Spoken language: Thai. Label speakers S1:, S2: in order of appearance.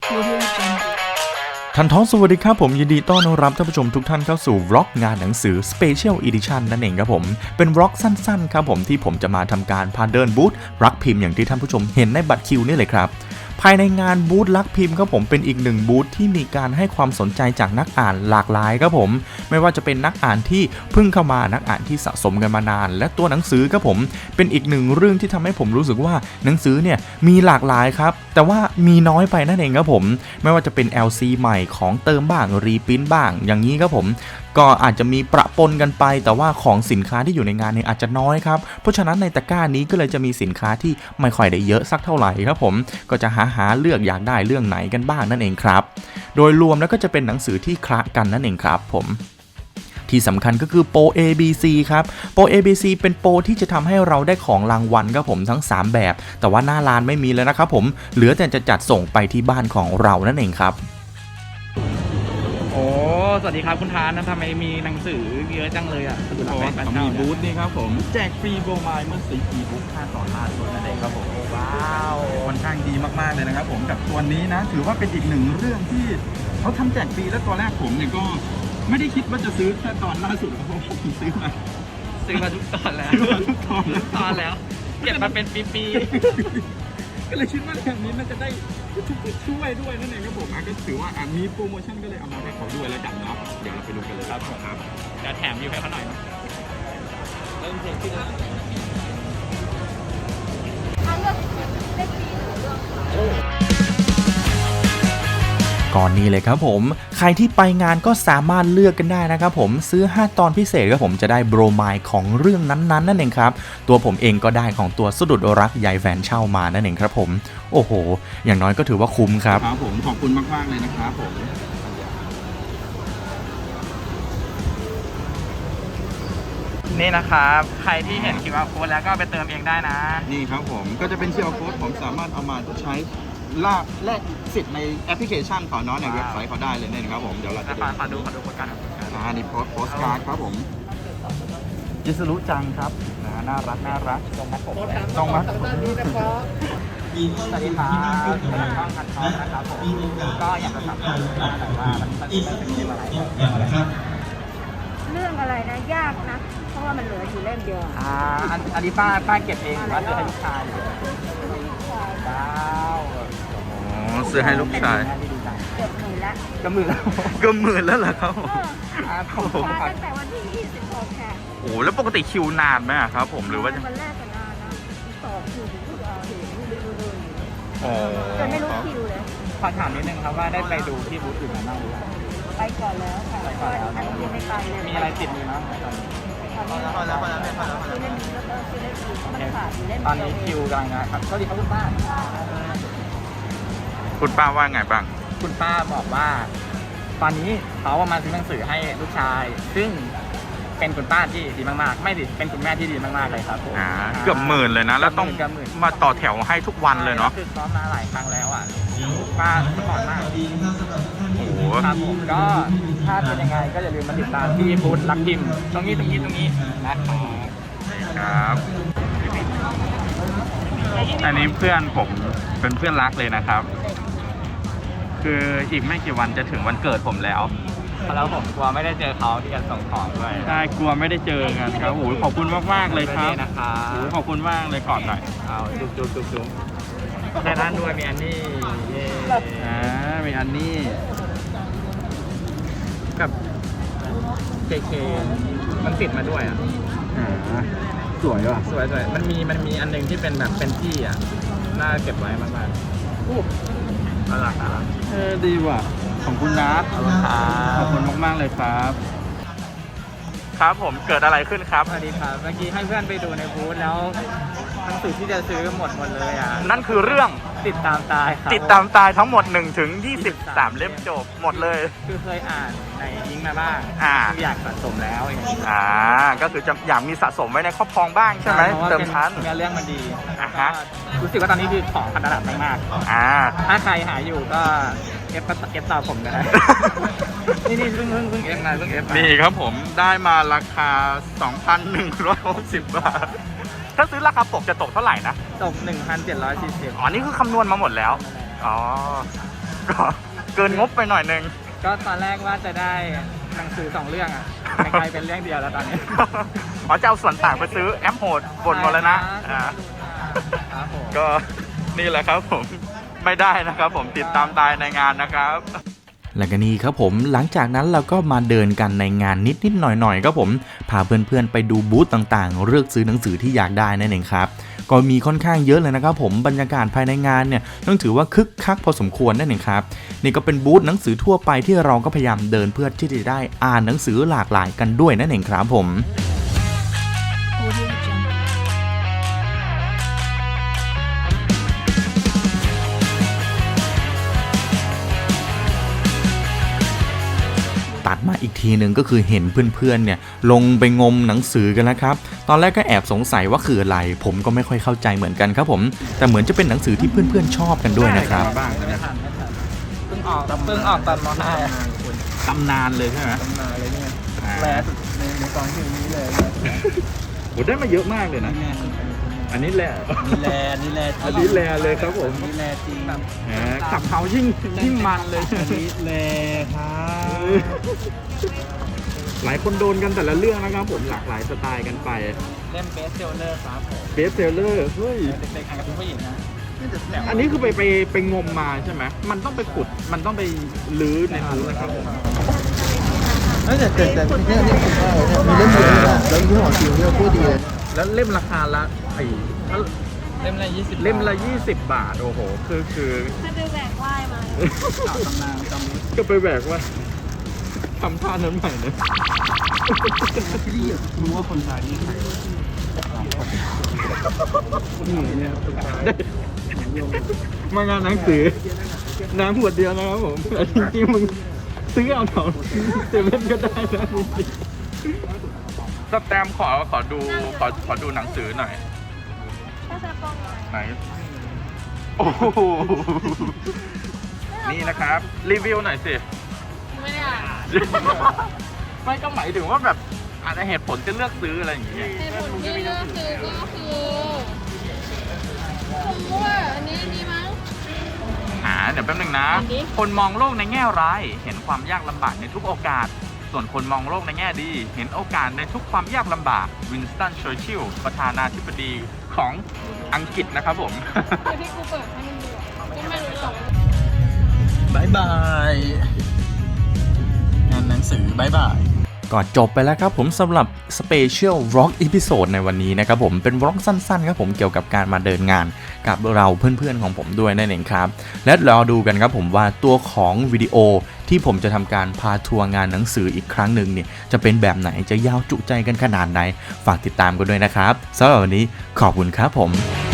S1: ทันท้องสวัสดีครับผมยินดีต้อนรับท่านผู้ชมทุกท่านเข้าสู่วล็อกงานหนังสือ Special Edition นั่นเองครับผมเป็นวล็อกสั้นๆครับผมที่ผมจะมาทำการพาเดินบูธรักพิมพ์อย่างที่ท่านผู้ชมเห็นในบัตรคิวนี่เลยครับภายในงานบูธรักพิมพ์ครับผมเป็นอีกหนึ่งบูธที่มีการให้ความสนใจจากนักอ่านหลากหลายครับผมไม่ว่าจะเป็นนักอ่านที่เพิ่งเข้ามานักอ่านที่สะสมกันมานานและตัวหนังสือครับผมเป็นอีกหนึ่งเรื่องที่ทำให้ผมรู้สึกว่าหนังสือเนี่ยมีหลากหลายครับแต่ว่ามีน้อยไปนั่นเองครับผมไม่ว่าจะเป็น LC ใหม่ของเติมบ้างรีพิมพ์บ้างอย่างนี้ครับผมก็อาจจะมีประปนกันไปแต่ว่าของสินค้าที่อยู่ในงานเนี่ยอาจจะน้อยครับเพราะฉะนั้นในตะกร้านี้ก็เลยจะมีสินค้าที่ไม่ค่อยได้เยอะสักเท่าไหร่ครับผมก็จะหาเลือกอยากได้เรื่องไหนกันบ้างนั่นเองครับโดยรวมแล้วก็จะเป็นหนังสือที่คละกันนั่นเองครับผมที่สำคัญก็คือโปร ABC ครับโปร ABC เป็นโปรที่จะทำให้เราได้ของรางวัลครับผมทั้ง3แบบแต่ว่าหน้าร้านไม่มีแล้วนะครับผมเหลือแต่จะจัดส่งไปที่บ้านของเรานั่นเองครับ
S2: โอ้สวัสดีครับคุณทานนะทำไมมีหนังสือเยอะจังเลยอ่ะดูหลังแบงค์
S3: มีบูธนี่ครับผมแจกฟรีโบรไมล์เมื่อซื้ออีบุ๊ก5 ตอนล่าสุดนั่นเองครับผม
S2: ว้าว
S3: ค่อนข้างดีมากๆเลยนะครับผมกับตัวนี้นะถือว่าเป็นอีกหนึ่งเรื่องที่เขาทำแจกฟรีแล้วตอนแรกผมเนี่ยก็ไม่ได้คิดว่าจะซื้อแค่ตอนล่าสุดเพราะว่าผมซื้อมา
S2: ทุกตอนแล้ว
S3: ทุกตอน
S2: แล้วเก็บมาเป็นปี
S3: ก็เลยคิดว่าแบบนี้มันจะได้ช่วยด้วยนั่นเองครับผมก็ถือว่ามีโปรโมชั่นก็เลยเอามาให้เขาด้วยแล้วกันเนาะเดี๋ยวเราไปดูกันเลยครับ
S2: จะแถมอยู่ให้เขาหน่อยเริ่มเพลงขึ้นแล้ว
S1: ก่อนนี้เลยครับผมใครที่ไปงานก็สามารถเลือกกันได้นะครับผมซื้อ5ตอนพิเศษครับผมจะได้โบรไมล์ของเรื่องนั้นๆนั่นเองครับตัวผมเองก็ได้ของตัวสะดุดรักยายแฟนเช่ามานั่นเองครับผมโอ้โหอย่างน้อยก็ถือว่าคุ้มครับ
S3: ผมขอบคุณมากๆเลยนะครับผม
S2: นี่นะครับใครที่เห็นQR Codeแล้วก็ไปเติมเองได้นะ
S3: นี่ครับผมก็จะเป็น QR Code ผมสามารถเอามาใช้แลกสิทธิ์ในแอปพลิเคชันของน้องในเว็บไซต์เขาได้เลยนะครับผมเดี๋ยวเราจะ
S2: ขอดูโปรการ์ด
S3: นี่โพสการ์ดครับผมยิสรุจังครับน่ารัก
S2: ตรงมาผม
S3: ตรงมา
S2: สวัสดีครับช่องคันทองนะครับผมก็อยากจะถามว่ามันเป็นอะไร
S4: เรื่องอะไรนะยากนะเพราะว่ามันเหลืออยู่เล่มเดียว
S2: อันนี้ป้าเก็บเองหรือว่าซื้อให้ลูกชายว้าว
S3: ซื้อให้ลูกชาย
S4: เกือบหมื่นละ
S2: ก็หมื่น
S3: แล้วเหรอครับ
S4: ผมมาตั้งแต่วันที่26ค่ะ
S3: โอ้แล้วปกติคิวนานไหมครับผมหรือว่า
S4: วันแรกก็นานนะต่อคิวถึงจนไม่รู้คิวเลย
S2: ขอถามนิดนึงครับว่าได้ไปดูที่บูธอื่นมาบ้างหรือยัง
S4: ไปก่อนแล้วค่ะ
S2: ไปก่อนแล้ว
S4: ยังไม่ไปเลย
S2: มีอะไรติดมือมั้ง
S4: พอแล้วซื้อเล่มนี้แล้วก็ซื้อเล่มอื่นมันขาดอยู่เล่ม
S2: ตอนนี้คิวกำลังนะครับสวัสดีครับคุณป้า
S3: ว่าไงบ้าง
S2: คุณป้าบอกว่าตอนนี้เขามาซื้อหนังสือให้ลูกชายซึ่งเป็นคุณป้าที่ดีมากๆไม่ดิเป็นคุณแม่ที่ดีมากๆเลยครับผม
S3: เกือบหมื่นเลยนะแล้วต้องมาต่อแถวให้ทุกวันเลยเนาะ
S2: คือซ้อมมาหลายครั้งแล้วอ่ะป้าสปอร์ตมาก
S3: โอ้โห
S2: ครับผมก็ถ้าเป็นยังไงก็อย่าลืมมาติดตามที่บูธรักพิมพ์ตรงนี้
S3: นะครับอันนี้เพื่อนผมเป็นเพื่อนรักเลยนะครับคืออีกไม่กี่วันจะถึงวันเกิดผมแล้ว
S2: ผมกลัวไม่ได้เจอเขาที่จะส่งของด้วย
S3: ใช่กลัวไม่ได้เจอกันครับโอ้ยขอบคุณมากเลยครับขอบคุณมากเลยก่อนหน่อย
S2: จุ๊บในร้านด้วยมีอันนี้
S3: มีอันนี้
S2: กับเคมันติดมาด้วย
S3: สวยว่ะ
S2: สวยมันมีอันนึงที่เป็นแบบเป็นที่น่าเก็บไว้มากๆน่ารัก
S3: ดีว่ะของคุณนัทขอบคุณมากๆเลยครับครับผมเกิดอะไรขึ้นครับ
S2: สวัสดีครับเมื่อกี้ให้เพื่อนไปดูในบูธแล้วหนังสือที่จะซื้อหมดเลย
S3: นั่นคือเรื่อง
S2: ติดตามตาย
S3: ทั้งหมด1 ถึง 23เล่มจบหมดเลย
S2: คือเคยอ่านในอิงมาบ้างอยากสะสมแล้วอย่างนี้
S3: ก็คือจะอยากมีสะสมไว้ในครอบครองบ้างใช่ไหมเติมชั้น
S2: เรื่องมันดีรู้สึกว่าตอนนี้คือของพันระดับมากถ้าใครหาอยู่ก็เอฟต่อผมกันนะนี่เพิ่งเอฟ
S3: นี่ครับผมได้มาราคา 2,160 บาทถ้าซื้อราคาปกจะตกเท่าไหร่นะ
S2: ตก 1,740
S3: นี่คือคำนวณมาหมดแล้ว
S1: ก็เกินงบไปหน่อยนึง
S2: ก็ตอนแรกว่าจะได้หนังสือ2 เรื่องอ่ะกลายเป็นเรื่องเดียวแล้วตอนนี้
S1: อ๋อจะเอาส่วนต่างไปซื้อแอปโหดบนหมดแล้วนะอ่า
S2: ครับผม
S1: ก็นี่แหละครับผมไม่ได้นะครับผมติดตามตายในงานนะครับและก็นี่ครับผมหลังจากนั้นเราก็มาเดินกันในงานนิดๆหน่อยๆครับผมพาเพื่อนๆไปดูบูธต่างๆเลือกซื้อหนังสือที่อยากได้นั่นเองครับก็มีค่อนข้างเยอะเลยนะครับผมบรรยากาศภายในงานเนี่ยต้องถือว่าคึกคักพอสมควรนั่นเองครับนี่ก็เป็นบูธหนังสือทั่วไปที่เราก็พยายามเดินเพื่อที่จะได้อ่านหนังสือหลากหลายกันด้วยนั่นเองครับผม ตัดมาอีกทีหนึ่งก็คือเห็นเพื่อนๆเนี่ยลงไปงมหนังสือกันแล้วครับตอนแรกก็แอบสงสัยว่าคืออะไรผมก็ไม่ค่อยเข้าใจเหมือนกันครับผมแต่เหมือนจะเป็นหนังสือที่เพื่อนๆชอบกันด้วยนะครับ
S3: บ้าง
S2: ไม่ทันเพิ่งออกตอนม.5
S3: ตำนานเลยใช่ไหม
S2: มาเลยเนี่ยแรสุดในตอนที่นี้เลย
S3: โหได้มาเยอะมากเลยนะ อันนี้แหละ
S2: นี่แล
S3: อันนี้แลเลยครับผม
S2: นี่แลจริง
S3: ขับเขายิ่งมันเลย
S2: นี่แลครับ
S3: หลายคนโดนกันแต่ละเรื่องนะครับผมหลากหลายสไตล์กันไป
S2: เล่มเบสเซลเลอร์ครับผม
S3: เบสเซลเลอร์เฮ้ย
S2: เด็กๆอ่านกับผู้หญิงนะ
S3: อันนี้คือไปงมมาใช่ไหมมันต้องไปขุดมันต้องไปลื้อในนู้นนะครับผม
S5: แต่เนี่ยผมว่าเนี่ยมีเล่มเดียวนะแล้วยี่ห้อจริงเนี่ยพูดดีเลย
S3: แล้วเล่มราคาละถ้า
S2: เล่มละ20
S3: เล่มละ20 บาทโอ้โหคือ
S4: ถ้าดูแบกว่ายมา
S2: ต่อตำนานจำนี้
S3: ก็ไปแบกว่าทำท่านั้นใหม่นะ
S2: รู้ว่าคนไทยนี่ใครเนี่ย
S3: มางานหนังสือน้ำขวดเดียวนะครับผมแต่จริงๆมึงซื้อเอาแถวเซเว่นก็ได้นะจริงๆสแตมขอดูหนังสือหน่อย
S4: ถ้าจะกล้องหน่อย
S3: ไหนโอ้โหนี่นะครับรีวิวหน่อยสิ
S4: ไม่ได้อ่าน
S3: ไม่ก็หมายถึงว่าแบบอาจจะเหตุผลจะเลือกซื้ออะไรอย่างเงี้ย
S4: เหตุผลที่เลือกซื้อก็คือผมว่าอันนี้ดีมั้ง
S1: เดี๋ยวแป๊บนึงนะ
S4: อันนี้
S1: คนมองโลกในแง่ร้ายเห็นความยากลำบากในทุกโอกาส ส่วนคนมองโลกในแง่ดี เห็นโอกาสในทุกความยากลำบากวินสตันเชอร์ชิลล์ประธานาธิบดีของอังกฤษนะครับผม
S4: คือที่กูเปิดให้มันดูอะก็ไม่รู้หรอก
S2: บายบายงานหนังสือบายบาย
S1: ก็จบไปแล้วครับผมสำหรับ Special Vlog Episode ในวันนี้นะครับผมเป็นวล็อกสั้นๆครับผมเกี่ยวกับการมาเดินงานกับเราเพื่อนๆของผมด้วยนั่นเองครับและรอดูกันครับผมว่าตัวของวิดีโอที่ผมจะทำการพาทัวร์งานหนังสืออีกครั้งหนึ่งเนี่ยจะเป็นแบบไหนจะยาวจุใจกันขนาดไหนฝากติดตามกันด้วยนะครับสำหรับวันนี้ขอบคุณครับผม